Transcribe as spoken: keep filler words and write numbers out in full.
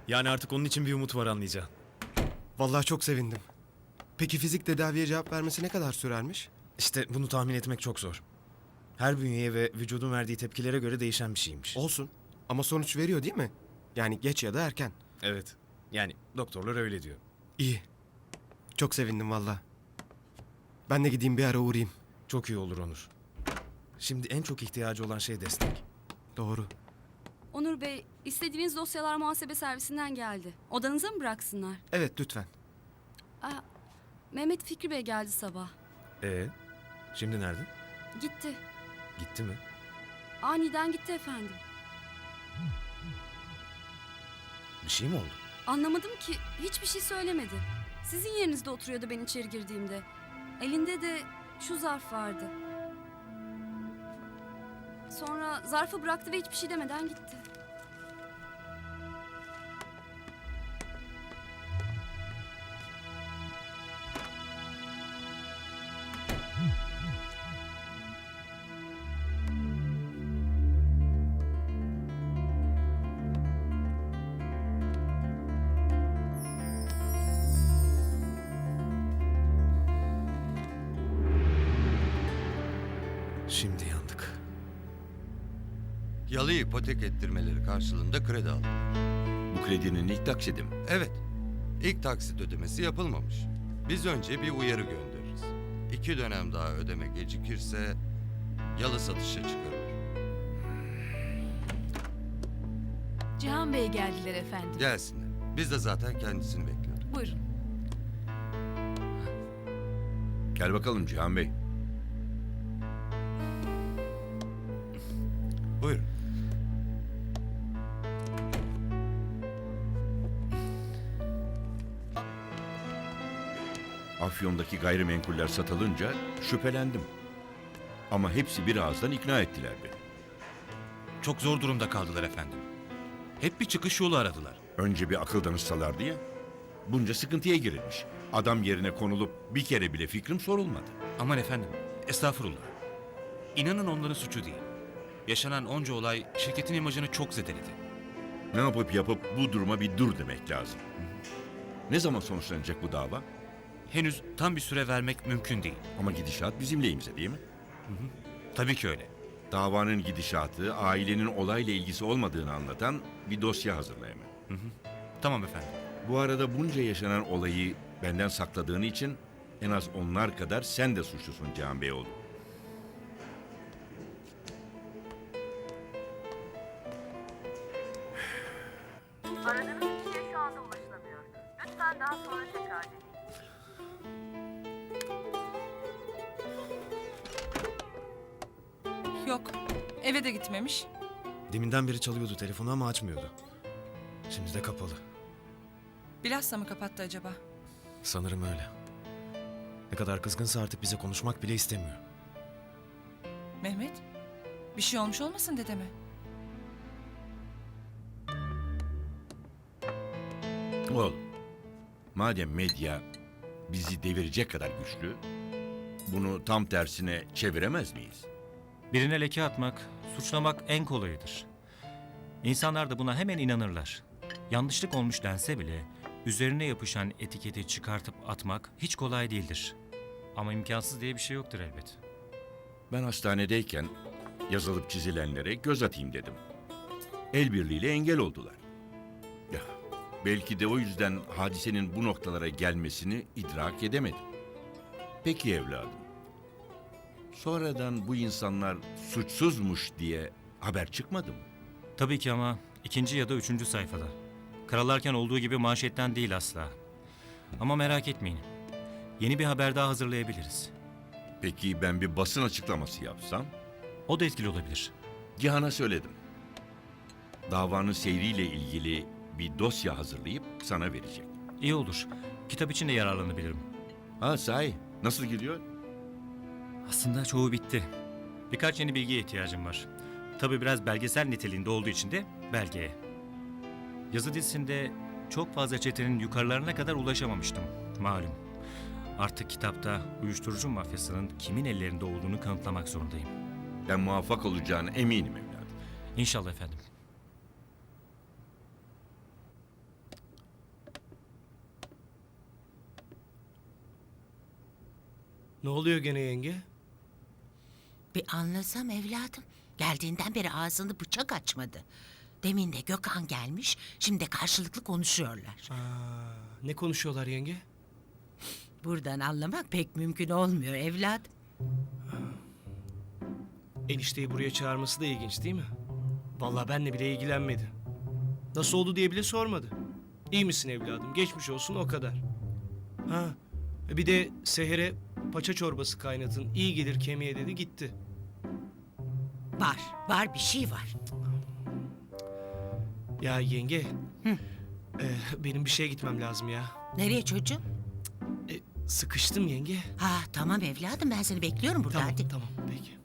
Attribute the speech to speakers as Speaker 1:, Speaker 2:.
Speaker 1: Yani artık onun için bir umut var anlayacağın.
Speaker 2: Vallahi çok sevindim. Peki fizik tedaviye cevap vermesi ne kadar sürermiş?
Speaker 1: İşte bunu tahmin etmek çok zor. Her bünyeye ve vücudun verdiği tepkilere göre değişen bir şeymiş.
Speaker 2: Olsun. Ama sonuç veriyor değil mi? Yani geç ya da erken.
Speaker 1: Evet. Yani doktorlar öyle diyor.
Speaker 2: İyi. Çok sevindim vallahi. Ben de gideyim bir ara uğrayayım.
Speaker 1: Çok iyi olur Onur. Şimdi en çok ihtiyacı olan şey destek.
Speaker 2: Doğru.
Speaker 3: Onur Bey, istediğiniz dosyalar muhasebe servisinden geldi. Odanıza mı bıraksınlar?
Speaker 2: Evet lütfen.
Speaker 3: Aa, Mehmet Fikri Bey geldi sabah.
Speaker 1: Ee, şimdi nerede?
Speaker 3: Gitti.
Speaker 1: Gitti mi?
Speaker 3: Aniden gitti efendim.
Speaker 1: Bir şey mi oldu?
Speaker 3: Anlamadım ki, hiçbir şey söylemedi. Sizin yerinizde oturuyordu ben içeri girdiğimde. Elinde de şu zarf vardı. Sonra zarfı bıraktı ve hiçbir şey demeden gitti.
Speaker 1: Şimdi yandık.
Speaker 4: Yalı ipotek ettirmeleri karşılığında kredi aldım.
Speaker 5: Bu kredinin ilk taksidi mi?
Speaker 4: Evet, ilk taksit ödemesi yapılmamış. Biz önce bir uyarı göndeririz. İki dönem daha ödeme gecikirse yalı satışa çıkarılır.
Speaker 6: Cihan Bey geldiler efendim.
Speaker 4: Gelsinler. Biz de zaten kendisini bekliyorduk.
Speaker 6: Buyurun.
Speaker 5: Gel bakalım Cihan Bey.
Speaker 4: Buyurun.
Speaker 5: Afyon'daki gayrimenkuller satılınca şüphelendim. Ama hepsi bir ağızdan ikna ettiler beni.
Speaker 7: Çok zor durumda kaldılar efendim. Hep bir çıkış yolu aradılar.
Speaker 5: Önce bir akıl danışsalardı ya. Bunca sıkıntıya girilmiş. Adam yerine konulup bir kere bile fikrim sorulmadı.
Speaker 7: Aman efendim, estağfurullah. İnanın onların suçu değil. Yaşanan onca olay şirketin imajını çok zedeledi.
Speaker 5: Ne yapıp yapıp bu duruma bir dur demek lazım. Ne zaman sonuçlanacak bu dava?
Speaker 7: Henüz tam bir süre vermek mümkün değil.
Speaker 5: Ama gidişat bizim lehimize değil mi?
Speaker 7: Tabii ki öyle.
Speaker 5: Davanın gidişatı, ailenin olayla ilgisi olmadığını anlatan bir dosya hazırla hemen.
Speaker 7: Tamam efendim.
Speaker 5: Bu arada bunca yaşanan olayı benden sakladığın için en az onlar kadar sen de suçlusun Cihan Beyoğlu.
Speaker 8: Aradığınız kişiye şu anda ulaşılamıyor. Lütfen daha sonra tekrar deneyin.
Speaker 6: Yok. Eve de gitmemiş.
Speaker 1: Deminden beri çalıyordu telefonu ama açmıyordu. Şimdi de kapalı.
Speaker 6: Bilhassa mı kapattı acaba?
Speaker 1: Sanırım öyle. Ne kadar kızgınsa artık bize konuşmak bile istemiyor.
Speaker 6: Mehmet, bir şey olmuş olmasın dedeme?
Speaker 5: Oğlum, madem medya bizi devirecek kadar güçlü, bunu tam tersine çeviremez miyiz?
Speaker 9: Birine leke atmak, suçlamak en kolayıdır. İnsanlar da buna hemen inanırlar. Yanlışlık olmuş dense bile üzerine yapışan etiketi çıkartıp atmak hiç kolay değildir. Ama imkansız diye bir şey yoktur elbet.
Speaker 5: Ben hastanedeyken yazılıp çizilenlere göz atayım dedim. El birliğiyle engel oldular. Ya, belki de o yüzden hadisenin bu noktalara gelmesini idrak edemedim. Peki evladım. Sonradan bu insanlar suçsuzmuş diye haber çıkmadı mı?
Speaker 9: Tabii ki ama ikinci ya da üçüncü sayfada. Karalarken olduğu gibi manşetten değil asla. Ama merak etmeyin. Yeni bir haber daha hazırlayabiliriz.
Speaker 5: Peki ben bir basın açıklaması yapsam?
Speaker 9: O da etkili olabilir.
Speaker 5: Cihan'a söyledim. Davanın seyriyle ilgili bir dosya hazırlayıp sana verecek.
Speaker 9: İyi olur. Kitap için de yararlanabilirim.
Speaker 5: Ha sahi, nasıl gidiyor?
Speaker 9: Aslında çoğu bitti. Birkaç yeni bilgiye ihtiyacım var. Tabii biraz belgesel niteliğinde olduğu için de belgeye. Yazı dizisinde çok fazla çetenin yukarılarına kadar ulaşamamıştım. Malum. Artık kitapta uyuşturucu mafyasının kimin ellerinde olduğunu kanıtlamak zorundayım.
Speaker 5: Ben muvaffak olacağına eminim evladım.
Speaker 9: İnşallah efendim.
Speaker 2: Ne oluyor gene yenge?
Speaker 10: Bir anlasam evladım. Geldiğinden beri ağzını bıçak açmadı. Demin de Gökhan gelmiş, şimdi de karşılıklı konuşuyorlar.
Speaker 2: Aa, ne konuşuyorlar yenge?
Speaker 10: Buradan anlamak pek mümkün olmuyor evladım.
Speaker 2: Enişteyi buraya çağırması da ilginç değil mi? Vallahi benle bile ilgilenmedi. Nasıl oldu diye bile sormadı. İyi misin evladım? Geçmiş olsun o kadar. Ha, bir de Seher'e paça çorbası kaynatın. İyi gelir kemiğe dedi gitti.
Speaker 10: Var, var bir şey var.
Speaker 2: Ya yenge, e, benim bir şeye gitmem lazım ya.
Speaker 10: Nereye çocuğum?
Speaker 2: E, sıkıştım yenge.
Speaker 10: Ha tamam evladım, ben seni bekliyorum burada,
Speaker 2: Tamam,
Speaker 10: hadi.
Speaker 2: tamam peki.